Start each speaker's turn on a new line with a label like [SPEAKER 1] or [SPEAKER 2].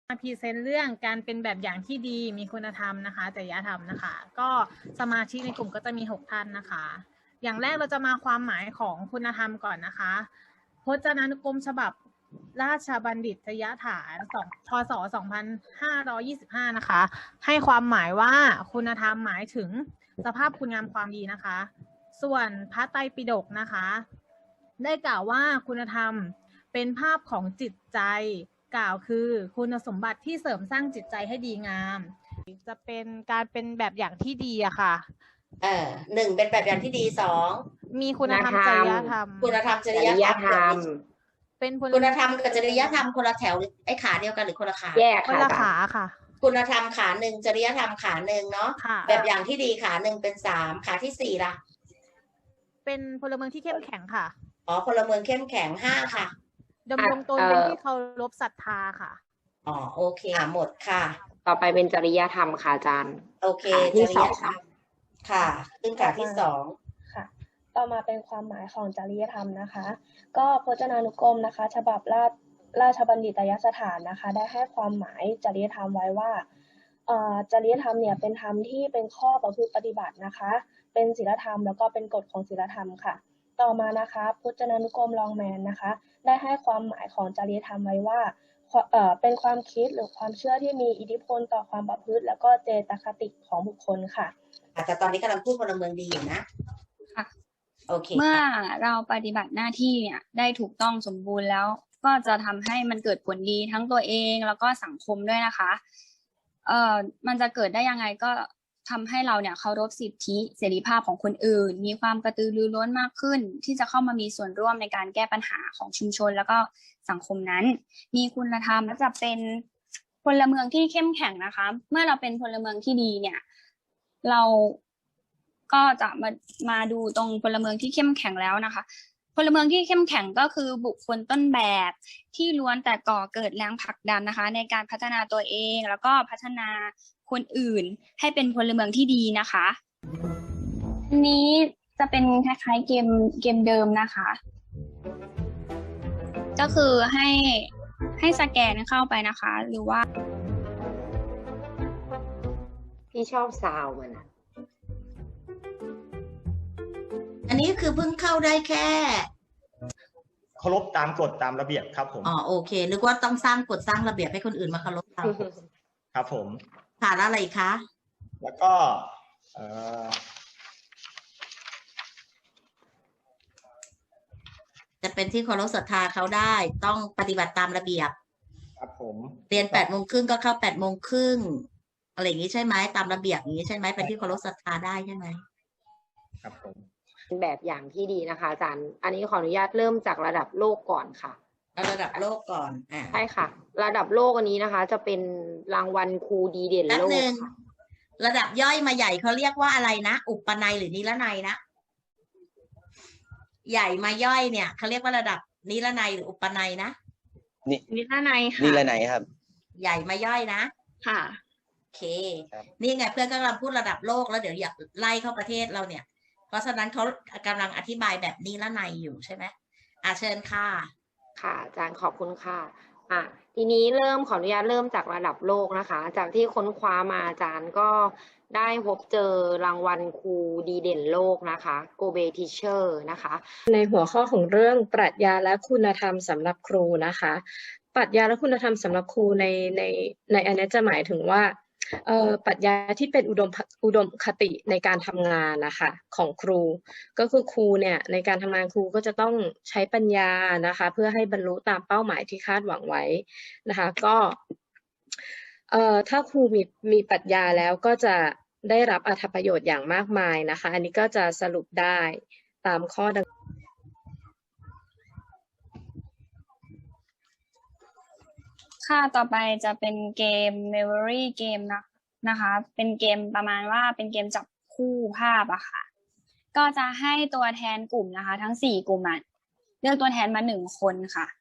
[SPEAKER 1] มาพรีเซนต์เรื่องการเป็นแบบอย่างที่ดีมีคุณธรรมนะคะจริยธรรมนะคะก็สมาชิกในกลุ่มก็จะมี6ท่านนะคะอย่างแรกเราจะมาความหมายของคุณธรรมก่อนนะคะพจนานุกรมฉบับราชบัณฑิตยสถานพศ2525นะคะให้ความหมายว่าคุณธรรมหมายถึงสภาพคุณงามความดีนะคะส่วนพระไตรปิฎกนะคะได้กล่าวว่าคุณธรรมเป็นภาพของจิตใจกล่าวคือคุณสมบัติที่เสริมสร้างจิตใจให้ดีงามจะเป็นการเป็นแบบอย่างที่ดีอะค่ะ
[SPEAKER 2] หนึ่งเป็นแบบอย่างที่ดี2
[SPEAKER 1] มีคุณธรรมจริยธรรม
[SPEAKER 2] คุณธรรมจริยธรรม
[SPEAKER 1] เป็น
[SPEAKER 2] คุณธรรมกับจริยธรรมคนละแถวไอ้ขาเดียวกันหรือคนละขา
[SPEAKER 3] แยก
[SPEAKER 1] คนละขาค่ะ
[SPEAKER 2] คุณธรรมขาหนึ่งจริยธรรมขาหนึ่งเนาะแบบอย่างที่ดีขาหนึ่งเป็น3ขาที่4ล่ะ
[SPEAKER 1] เป็นพลเมืองที่เข้มแข็งค่ะ
[SPEAKER 2] พลเมืองเข้มแข็ง5ค่ะ
[SPEAKER 1] ดำรงตนเป็นที่เคารพศรัทธาค่ะ
[SPEAKER 2] โอเคหมดค่ะ
[SPEAKER 3] ต่อไปเป็นจริยธรรมค่ะอาจารย์
[SPEAKER 2] โอเคจริยธรรมค่ะขึ้นขาที่2
[SPEAKER 4] ค่ะต่อมาเป็นความหมายของจริยธรรมนะคะก็พจนานุกรมนะคะฉบับราชบัณฑิตยสถานนะคะได้ให้ความหมายจริยธรรมไว้ว่าจริยธรรมเนี่ยเป็นธรรมที่เป็นข้อประพฤติปฏิบัตินะคะเป็นศีลธรรมแล้วก็เป็นกฎของศีลธรรมค่ะต่อมานะคะพจนานุกรมลองแมนนะคะได้ให้ความหมายของจริยธรรมไว้ว่าเป็นความคิดหรือความเชื่อที่มีอิทธิพลต่อความประพฤติแล้วก็เจตคติของบุคคลค่ะ
[SPEAKER 2] แต่ตอนนี้กำลังพูดพลเมืองดีอยู่นะ
[SPEAKER 5] ค่ะ
[SPEAKER 2] โอเค
[SPEAKER 5] เมื่อเราปฏิบัติหน้าที่เนี่ยได้ถูกต้องสมบูรณ์แล้วก็จะทำให้มันเกิดผลดีทั้งตัวเองแล้วก็สังคมด้วยนะคะมันจะเกิดได้ยังไงก็ทำให้เราเนี่ยเคารพสิทธิเสรีภาพของคนอื่นมีความกระตือรือร้นมากขึ้นที่จะเข้ามามีส่วนร่วมในการแก้ปัญหาของชุมชนแล้วก็สังคมนั้นมีคุณธรรมและจะเป็นพลเมืองที่เข้มแข็งนะคะเมื่อเราเป็นพลเมืองที่ดีเนี่ยเราก็จะมาดูตรงพลเมืองที่เข้มแข็งแล้วนะคะพลเมืองที่เข้มแข็งก็คือบุคคลต้นแบบที่ล้วนแต่ก่อเกิดแรงผลักดันนะคะในการพัฒนาตัวเองแล้วก็พัฒนาคนอื่นให้เป็นพลเมืองที่ดีนะคะอันนี้จะเป็นคล้ายๆเกมเดิมนะคะก็คือให้สแกนเข้าไปนะคะหรือว่า
[SPEAKER 3] พี่ชอบซาวมัน
[SPEAKER 2] อันนี้คือเพิ่งเข้าได้แค่
[SPEAKER 6] เคารพตามกฎตามระเบียบครับผม
[SPEAKER 2] โอเคนึกว่าต้องสร้างกฎสร้างระเบียบให้คนอื่นมาเคารพตาม
[SPEAKER 6] ครับผม
[SPEAKER 2] ค่ะแล้วอะไรคะ
[SPEAKER 6] แล้วก็
[SPEAKER 2] จะเป็นที่เคารพศรัทธาเขาได้ต้องปฏิบัติตามระเบียบ
[SPEAKER 6] ครับผม
[SPEAKER 2] เรียน8:30ก็เข้า8:30อะไรอย่างนี้ใช่ไหมตามระเบียบอย่างนี้ใช่ไหมเป็นที่เคารพศรัทธาได้ใช่ไหม
[SPEAKER 6] ครับผม
[SPEAKER 3] แบบอย่างที่ดีนะคะอาจารย์อันนี้ขออนุญาตเริ่มจากระดับโลกก่อนค่ะ
[SPEAKER 2] ระดับโลกก่อน
[SPEAKER 3] ใช่ค่ะระดับโลกอันนี้นะคะจะเป็นรางวัลครูดีเด่นโลกค่ะ
[SPEAKER 2] ระดับย่อยมาใหญ่เขาเรียกว่าอะไรนะอุปนัยหรือนิรนัยนะใหญ่มาย่อยเนี่ยเขาเรียกว่าระดับนิรนัยหรืออุปนัยนะ
[SPEAKER 5] นิรนัยค่ะ
[SPEAKER 6] นิรนัยครับ
[SPEAKER 2] ใหญ่มาย่อยนะ
[SPEAKER 5] ค่ะ
[SPEAKER 2] โอเคนี่ไงเพื่อนกำลังพูดระดับโลกแล้วเดี๋ยวอยากไล่เข้าประเทศเราเนี่ยเพราะฉะนั้นเขากำลังอธิบายแบบนิรนัยอยู่ใช่ไหมเชิญค่ะ
[SPEAKER 3] ค่ะอาจารย์ขอบคุณค่ะทีนี้ขออนุญาตเริ่มจากระดับโลกนะคะจากที่ค้นคว้ามาอาจารย์ก็ได้พบเจอรางวัลครูดีเด่นโลกนะคะโกเบทีเชอร์นะคะ
[SPEAKER 4] ในหัวข้อของเรื่องปรัชญาและคุณธรรมสำหรับครูนะคะปรัชญาและคุณธรรมสำหรับครูในอันนี้จะหมายถึงว่าปรัชญาที่เป็นอุดมคติในการทำงานนะคะของครูก็คือครูเนี่ยในการทำงานครูก็จะต้องใช้ปัญญานะคะเพื่อให้บรรลุตามเป้าหมายที่คาดหวังไว้นะคะก็ถ้าครูมีปรัชญาแล้วก็จะได้รับอรรถประโยชน์อย่างมากมายนะคะอันนี้ก็จะสรุปได้ตามข้อดัง
[SPEAKER 5] ค่ะต่อไปจะเป็นเกม Memory Game นะคะเป็นเกมประมาณว่าเป็นเกมจับคู่ภาพอะค่ะก็จะให้ตัวแทนกลุ่มนะคะทั้ง4กลุ่มเลือกตัวแทนมา1คนค่ะ